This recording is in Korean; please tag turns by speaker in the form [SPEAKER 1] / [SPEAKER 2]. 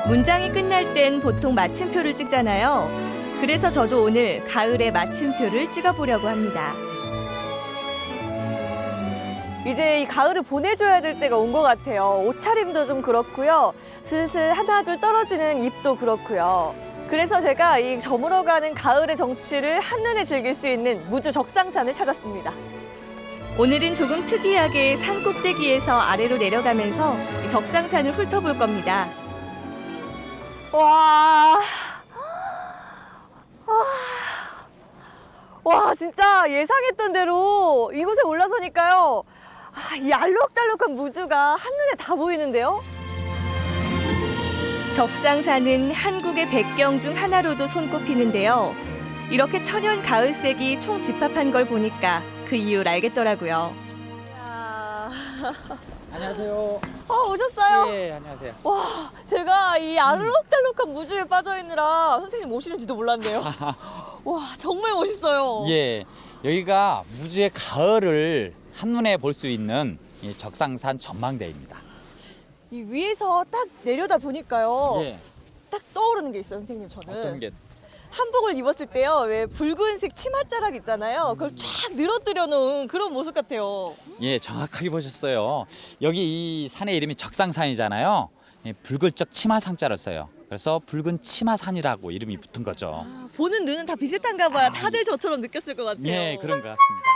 [SPEAKER 1] 문장이 끝날 땐 보통 마침표를 찍잖아요. 그래서 저도 오늘 가을에 마침표를 찍어보려고 합니다. 이제 이 가을을 보내줘야 될 때가 온 것 같아요. 옷차림도 좀 그렇고요. 슬슬 하나둘 떨어지는 잎도 그렇고요. 그래서 제가 이 저물어가는 가을의 정취를 한눈에 즐길 수 있는 무주 적상산을 찾았습니다. 오늘은 조금 특이하게 산 꼭대기에서 아래로 내려가면서 적상산을 훑어볼 겁니다. 와, 진짜 예상했던 대로 이곳에 올라서니까요. 이 알록달록한 무주가 한눈에 다 보이는데요. 적상산은 한국의 백경 중 하나로도 손꼽히는데요. 이렇게 천연 가을색이 총집합한 걸 보니까 그 이유를 알겠더라고요.
[SPEAKER 2] 안녕하세요.
[SPEAKER 1] 오셨어요?
[SPEAKER 2] 예, 안녕하세요.
[SPEAKER 1] 와, 제가 이 알록달록한 무주에 빠져있느라 선생님 오시는지도 몰랐네요. 와, 정말 멋있어요.
[SPEAKER 2] 예, 여기가 무주의 가을을 한눈에 볼 수 있는 이 적상산 전망대입니다.
[SPEAKER 1] 이 위에서 딱 내려다 보니까요.
[SPEAKER 2] 예,
[SPEAKER 1] 딱 떠오르는 게 있어요, 선생님. 저는
[SPEAKER 2] 어떤 게?
[SPEAKER 1] 한복을 입었을 때요, 왜 붉은색 치맛자락 있잖아요. 그걸 쫙 늘어뜨려 놓은 그런 모습 같아요.
[SPEAKER 2] 예, 정확하게 보셨어요. 여기 이 산의 이름이 적상산이잖아요. 예, 붉을적 치마상자를 써요. 그래서 붉은 치마산이라고 이름이 붙은 거죠.
[SPEAKER 1] 보는 눈은 다 비슷한가 봐요. 다들 저처럼 느꼈을 것 같아요.
[SPEAKER 2] 예, 그런 것 같습니다.